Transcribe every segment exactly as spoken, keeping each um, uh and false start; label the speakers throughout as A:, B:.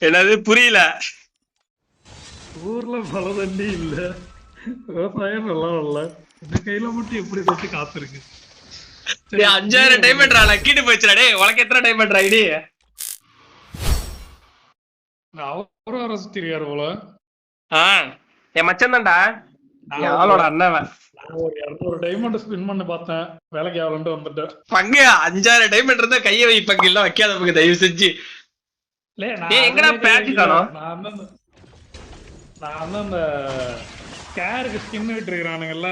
A: என்னது புரியல?
B: ஊர்ல மழை தண்ணி இல்ல, விவசாயம் நல்லா இல்ல, இந்த கையில மட்டும் எப்படி வச்சு காத்திருக்கு.
A: அஞ்சாயிரம் டைமண்ட்ரா லக்கிட்டு போச்சுடா. டேய் உனக்கு எத்தனை டைமண்ட் ஐடி?
B: அவரும் வர சுத்திருக்காரு போல.
A: ஆஹ் என் மச்சன் தான்டா, அவளோட அண்ணன்.
B: நான் ஒரு இருநூறு டைமண்ட் ஸ்பின் பண்ணி பார்த்தேன், வேலைக்கு ஆகலன்ட்டு வந்துட்டேன்.
A: பங்கு அஞ்சாயிரம் டைமண்ட் இருந்தா கையை வை பங்கு, இல்ல வைக்காத பங்கு தயவு செஞ்சு. எங்கடா பேட்ச் காணோம்?
B: நான் வந்து நான் வந்து அந்த ஸ்கேருக்கு ஸ்கின் விட்டு இருக்கிறானுங்கல்ல,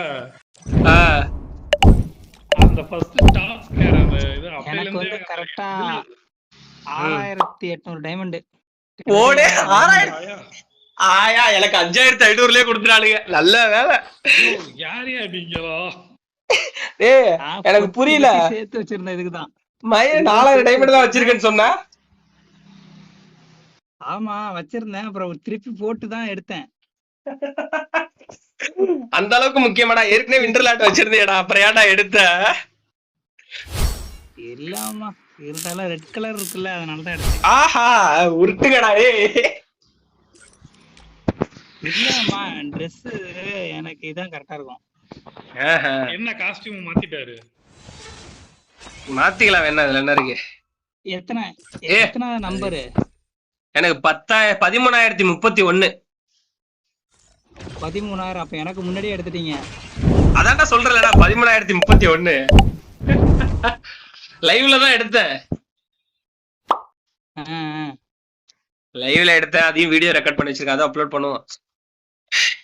B: அந்த ஃபர்ஸ்ட் டாப் ஸ்கேர் அந்த இது
C: எனக்கு வந்து கரெக்டா ஆறாயிரத்தி எட்நூறு டைமண்ட்.
A: ஓடே ஆறாயிரம் ஆயா, எனக்கு அஞ்சாயிரத்தி ஐநூறுலயே கொடுத்துறானுங்க. நல்ல வேலை.
B: யாரையா நீங்களோ?
A: ஏய் எனக்கு புரியல.
C: சேர்த்து வச்சிருந்தேன் இதுக்குதான்.
A: மயிர் நாலாயிரம் டைமண்ட் தான் வச்சிருக்கேன்னு சொன்னா.
C: ஆமா வச்சிருந்தேன், அப்புறம் திருப்பி போட்டு தான் எடுத்தேன்.
A: அந்த அளவுக்கு முக்கியமாடா? ஏற்கனவே விண்டர்லாண்ட் வச்சிருந்தேடா, அப்புறம் ஏன்டா எடுத்த?
C: இல்லாமா இருந்தாலும் ரெட் கலர் இருக்குல்ல, அதனாலதான் எடுத்தேன்.
A: ஆஹா உருட்டுங்கடா. ஏய்
C: இல்லம்மா ட்ரெஸ் எனக்கு இதான் கரெக்டா இருக்கும்.
B: என்ன காஸ்டியூம் மாத்திட்டாரு?
A: மாத்திக்கலாம் வேணா, அதுல என்ன இருக்கு?
C: எத்தனை எத்தனை நம்பரு?
A: எனக்கு பத்தாயிரம் பதிமூணாயிரத்தி முப்பத்தி ஒண்ணு.
C: பதிமூணாயிரம் அப்ப எனக்கு முன்னாடியே எடுத்துட்டீங்க.
A: அதான்டா சொல்றேன்டா, பதிமூணாயிரத்தி முப்பத்தி ஒண்ணு. லைவ்ல தான் எடுத்தேன். லைவ்ல எடுத்தேன், அதையும் வீடியோ ரெக்கார்ட் பண்ணி வச்சிருக்கேன், அதை அப்லோட் பண்ணுவோம்.